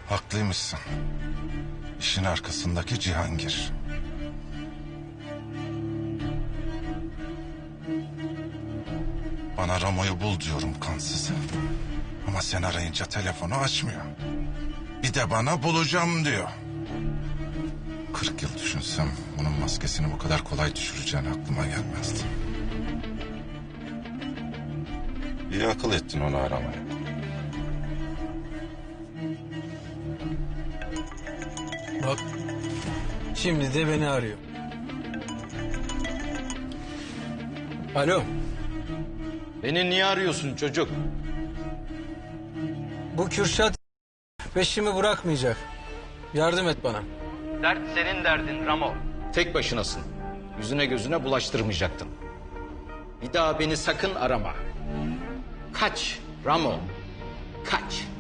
Haklıymışsın. İşin arkasındaki Cihangir. Bana Ramo'yu bul diyorum kansızı. Ama sen arayınca telefonu açmıyor. Bir de bana bulacağım diyor. 40 yıl düşünsem onun maskesini bu kadar kolay düşüreceğini aklıma gelmezdi. İyi akıl ettin onu aramaya. Bak, şimdi de beni arıyor. Alo, Beni niye arıyorsun çocuk? bu Kürşat peşimi bırakmayacak. Yardım et bana. Dert senin derdin Ramo. Tek başınasın. Yüzüne gözüne bulaştırmayacaktın. Bir daha beni sakın arama. Kaç Ramo, kaç.